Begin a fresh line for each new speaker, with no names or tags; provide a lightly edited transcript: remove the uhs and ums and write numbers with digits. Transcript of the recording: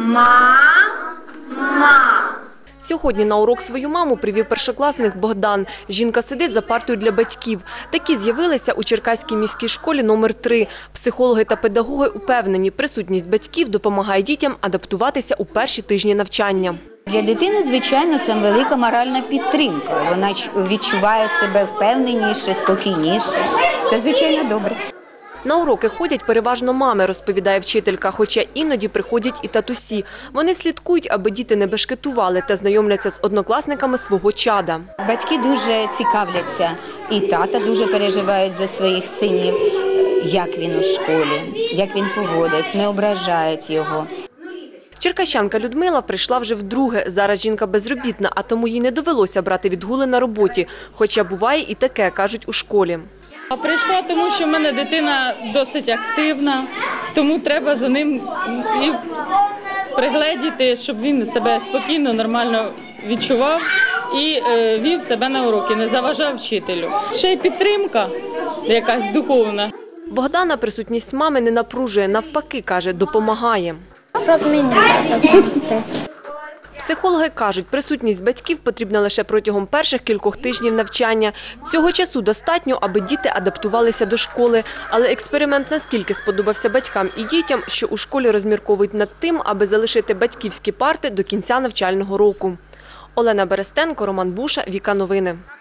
Мама.
Сьогодні на урок свою маму привів першокласник Богдан. Жінка сидить за партою для батьків. Такі з'явилися у Черкаській міській школі номер 3. Психологи та педагоги упевнені, присутність батьків допомагає дітям адаптуватися у перші тижні навчання.
Для дитини, звичайно, це велика моральна підтримка. Вона відчуває себе впевненіше, спокійніше. Це, звичайно, добре.
На уроки ходять переважно мами, розповідає вчителька, хоча іноді приходять і татусі. Вони слідкують, аби діти не бешкетували та знайомляться з однокласниками свого чада.
Батьки дуже цікавляться, і тата дуже переживають за своїх синів, як він у школі, як він поводить, не ображають його.
Черкащанка Людмила прийшла вже вдруге. Зараз жінка безробітна, а тому їй не довелося брати відгули на роботі. Хоча буває і таке, кажуть у школі.
А прийшла, тому що в мене дитина досить активна, тому треба за ним і пригледіти, щоб він себе спокійно, нормально відчував і вів себе на уроки, не заважав вчителю. Ще й підтримка якась духовна.
Богдана присутність мами не напружує, навпаки, каже, допомагає.
Щоб мені допомогти.
Психологи кажуть, присутність батьків потрібна лише протягом перших кількох тижнів навчання. Цього часу достатньо, аби діти адаптувалися до школи. Але експеримент наскільки сподобався батькам і дітям, що у школі розмірковують над тим, аби залишити батьківські парти до кінця навчального року. Олена Берестенко, Роман Буша, Віка Новини.